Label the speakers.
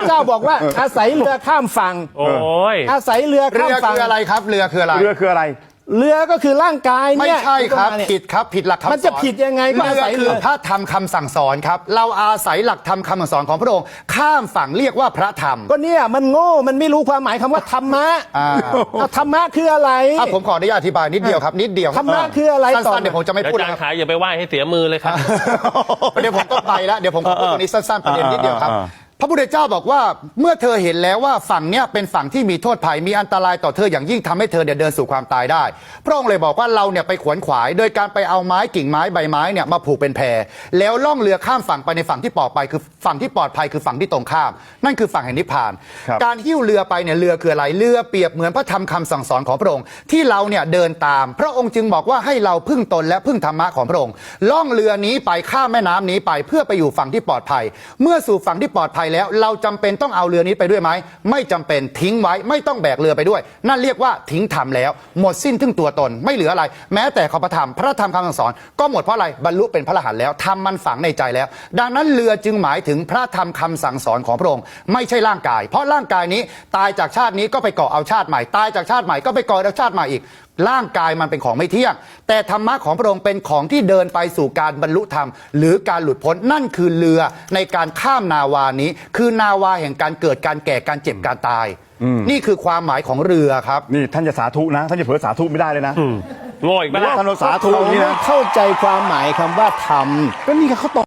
Speaker 1: เจ้าบอกว่าอาศัยเรือข้ามฝั่ง
Speaker 2: โอ้ย
Speaker 1: อาศัยเรือ
Speaker 3: เรื
Speaker 1: ข้าม
Speaker 3: อ
Speaker 1: ฝั่ง
Speaker 3: คืออะไรครับเรือคืออะไร
Speaker 4: เรือคืออะไร
Speaker 1: เรือก็คือร่างกาย
Speaker 3: ไม่
Speaker 1: เนี่ย
Speaker 3: ใช่ครับ
Speaker 1: ที่
Speaker 3: ผิดครับผิดหลักคำสอน
Speaker 1: มันจะผิดยังไงก็อาศัย
Speaker 3: คื
Speaker 1: เรือ
Speaker 3: พระธรรมคำสั่งสอนครับเราอาศัยหลักธรรมคำสั่งสอนของพระองค์ข้ามฝั่งเรียกว่าพระธรรม
Speaker 1: ก็เนี่ยมันโง่มันไม่รู้ความหมายคำว่าธรรมะ เอาธรรมะคืออะไร
Speaker 3: ผมขออนุญาตอธิบายนิดเดียวครับนิดเดียว
Speaker 1: ธรรมะคืออะไรต่อ
Speaker 3: สั้นๆเดี๋ยวผมจะไม่
Speaker 2: เดี๋ยว
Speaker 3: พูด
Speaker 2: อาจาร
Speaker 3: แล้ว
Speaker 2: ย์ขายอย่าไปไหว้ให้เสียมือเลยครับ
Speaker 3: เดี๋ยวผมต้องไปแล้วเดี๋ยวผมขอพูดตรงนี้สั้นๆประเด็นนิดเดียวครับ พระพุทธเจ้าบอกว่าเมื่อเธอเห็นแล้วว่าฝั่งเนี้ยเป็นฝั่งที่มีโทษภัยมีอันตรายต่อเธออย่างยิ่งทำให้เธอเดินสู่ความตายได้พระองค์เลยบอกว่าเราเนี่ยไปขวนขวายโดยการไปเอาไม้กิ่งไม้ใบไม้เนี่ยมาผูกเป็นแพแล้วล่องเรือข้ามฝั่งไปในฝั่งที่ปลอดภัยคือฝั่งที่ปลอดภัยคือฝั่งที่ตรงข้ามนั่นคือฝั่งแห่งนิพพาน
Speaker 4: ครับ
Speaker 3: การหิ้วเรือไปเนี่ยเรือคืออะไรเรือเปรียบเหมือนพระธรรมคำสั่งสอนของพระองค์ที่เราเนี่ยเดินตามพระองค์จึงบอกว่าให้เราพึ่งตนและพึ่งธรรมะของพระองค์ล่องเรือนี้ไปข้ามแม่น้ำนี้ไปเพื่อไปอยู่ฝั่งที่ปลอดภัยเมื่อสู่ฝั่งที่ปลอดภัยแล้วเราจำเป็นต้องเอาเรือนี้ไปด้วยไหมไม่จำเป็นทิ้งไว้ไม่ต้องแบกเรือไปด้วยนั่นเรียกว่าทิ้งธรรมแล้วหมดสิ้นทึ่งตัวตนไม่เหลืออะไรแม้แต่ข้อพระธรรมพระธรรมคำสั่งสอนก็หมดเพราะอะไรบรรลุเป็นพระอรหันต์แล้วธรรมมันฝังในใจแล้วดังนั้นเรือจึงหมายถึงพระธรรมคำสั่งสอนของพระองค์ไม่ใช่ร่างกายเพราะร่างกายนี้ตายจากชาตินี้ก็ไปก่อเอาชาติใหม่ตายจากชาติใหม่ก็ไปก่อเอาชาติใหม่อีกร่างกายมันเป็นของไม่เที่ยงแต่ธรรมะของพระองค์เป็นของที่เดินไปสู่การบรรลุธรรมหรือการหลุดพ้นนั่นคือเรือในการข้ามนาวานี้คือนาวาแห่งการเกิดการแก่การเจ็บการตายนี่คือความหมายของเรือครับ
Speaker 4: นี่ท่านจะสาธุนะท่านจะเผลอสาธุไม่ได้เลยนะ
Speaker 2: โง่อีก
Speaker 4: ไม่
Speaker 2: บ้า
Speaker 4: ว่าท่านเราสาธุ
Speaker 1: เขา
Speaker 4: อย่างนี้
Speaker 1: ไม่
Speaker 4: นะ
Speaker 1: เข้าใจความหมายคำว่าธรรม
Speaker 4: ก็นี่เขาตอบ